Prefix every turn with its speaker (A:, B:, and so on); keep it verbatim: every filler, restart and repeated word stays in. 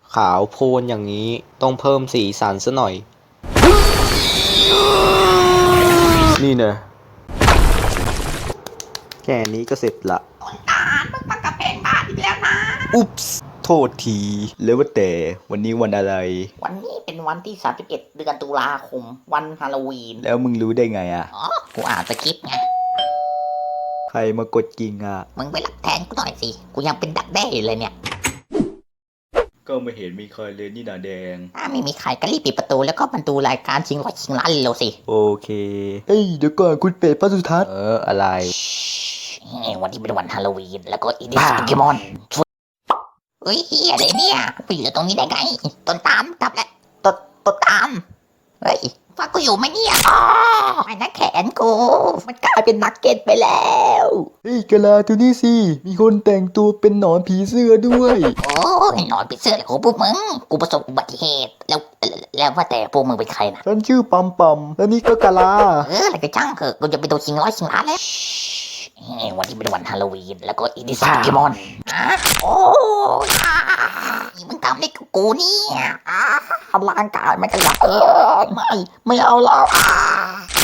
A: ขาวโพลนอย่างนี้ต้องเพิ่มสีสันซะหน่อย นี่เนอะแค่นี้ก็เสร็จละ
B: ตาลมึงปักกระเพงบ้านอีกแล้วนะ
A: อุ๊ปส์โทษที แล้วว่าแต่วันนี้วันอะไร
B: วันนี้เป็นวันที่สามสิบเอ็ดเดือนตุลาคมวันฮาโลวีน
A: แล้วมึงรู้ได้ไงอะ
B: อ๋อ กูอ่านสคริปต์ไง
A: ใครมากดกิ่งอะ
B: มึงไปรับแทนกูหน่อยสิ กูยังเป็นดักแด้อยู่เลยเนี่ย
A: ก็ไม่เห็นมีใครเลยนี่นาแดง
B: ถ้าไม่มีใครก็รีบปิดประตูแล้วก็มาดูรายการชิงร้อยชิงล้านเร็วสิ
A: โอเคเอ้ยเดี๋ยวก่อนคุณเป็ดพระสุทัศน์เอออะไร
B: เฮ้ยวันที่เป็นวันฮาโลวีนแล้วก็อีดิสโปเกมอนเฮ้ยเฮียอะไรเนี่ยไปอยู่ตรงนี้ได้ไง ต้นตามกลับแล้วต้นต้นตาม เฮ้ยฟังกูอยู่ไหมเนี่ยอ๋อไม่นะแขนกู มันกลายเป็นนักเก็ตไปแล้ว
A: เฮ้ยกะลาดูนี่สิ มีคนแต่งตัวเป็นหนอนผีเสื้อด้วย
B: โอ้ยนอนปิดเสื้อเลยโอ้พวกมึง กูประสบอุบัติเหตุ แล้วแล้วแล้วว่าแต่พวกมึงเป็นใครนะ
A: ฉันชื่อปัมปัมและนี่ก็กะลา
B: เอออะไรก็ช่างเถอะกูจะไปดูชิงร้อยชิงล้านแล้วเฮ้ยวันที่เป็นวันฮาโลวีนแล้วก็อีดิสโปเกมอนอ่ะโอ้ยอ่ามึงทำอะไรกับกูเนี่ยอ่าร่างกายมันก็อยากเออไม่ไม่เอาแล้วอ่า